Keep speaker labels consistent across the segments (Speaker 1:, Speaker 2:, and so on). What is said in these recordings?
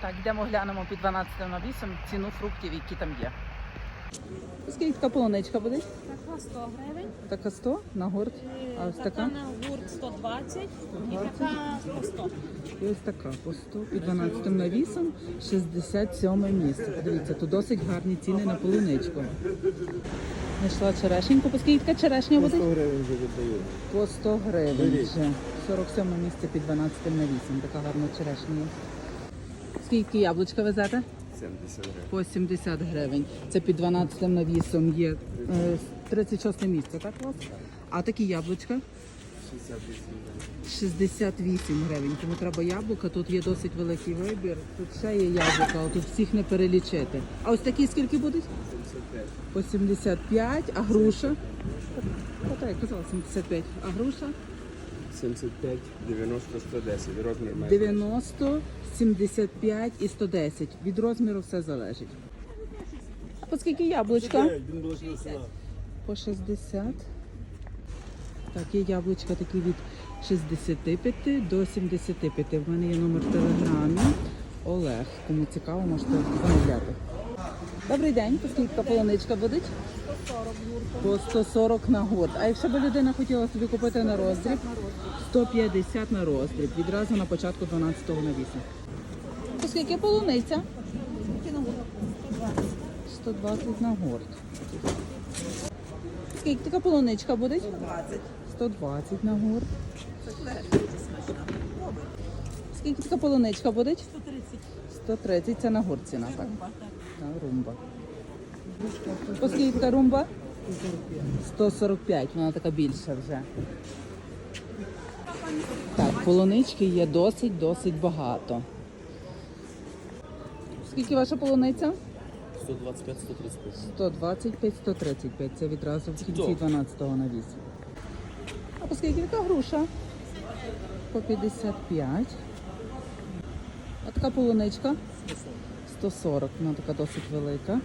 Speaker 1: Так, йдемо глянемо під 12 навісом ціну фруктів, які там є. Скільки така полуничка буде?
Speaker 2: Така 100 гривень.
Speaker 1: Така 100 на гурт. А ось
Speaker 2: Така
Speaker 1: така?
Speaker 2: на гурт 120 і така по 100.
Speaker 1: І ось така по 100 під 12 навісом, 67 місце. Подивіться, тут досить гарні ціни на полуничку. Знайшла черешеньку. По скільки така черешня буде?
Speaker 3: 100 гривень вже віддають.
Speaker 1: По 100 гривень вже. 47 місце під 12 навісом. Така гарна черешня є. Скільки яблучка везете?
Speaker 3: 70 гривень.
Speaker 1: По 70 гривень. Це під 12 навісом є 36 місце, так у вас? А такі яблучка?
Speaker 3: 68 гривень.
Speaker 1: 68 гривень. Тому треба яблука. Тут є досить великий вибір. Тут ще є яблука, але тут всіх не перелічити. А ось такі скільки будуть?
Speaker 3: 75.
Speaker 1: По 75. А груша? Так, я казала 75. А груша?
Speaker 3: 75, 90, 110. Розмір має.
Speaker 1: 90, 75 і 110. Від розміру все залежить. А по скільки яблучка? По 60. Так, є яблучка такі від 65 до 75. В мене є номер в телеграмі. Олег. Кому цікаво, можете замовляти. Добрий день. По скільки полуничка буде?
Speaker 2: 140 гурт.
Speaker 1: По 140 на гурт. А якщо б людина хотіла собі купити на роздріб? 150 на роздріб. Відразу на початку 12-го навісу. По скільки полуниця?
Speaker 2: Скільки на гурт? 120.
Speaker 1: 120 на гурт. Скільки така полуничка буде?
Speaker 2: 120.
Speaker 1: 120 на гурт.
Speaker 2: Це дуже смачно. Добре.
Speaker 1: Скільки така полуничка буде?
Speaker 2: 130.
Speaker 1: 130, це на гурт ціна, так?
Speaker 2: Румба, так.
Speaker 1: На румба. По скільки така румба? 145, вона така більша вже. Так, полунички є досить багато. Скільки ваша полуниця?
Speaker 3: 125, 135.
Speaker 1: 125, 135. Це відразу в кінці 12-го навісу. А по скільки така груша? По 55. А така полуничка? 140. Вона така досить велика.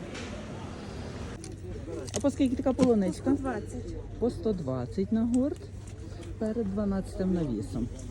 Speaker 1: А по скільки така полуничка?
Speaker 2: 120.
Speaker 1: По 120 на гурт перед 12-м навісом.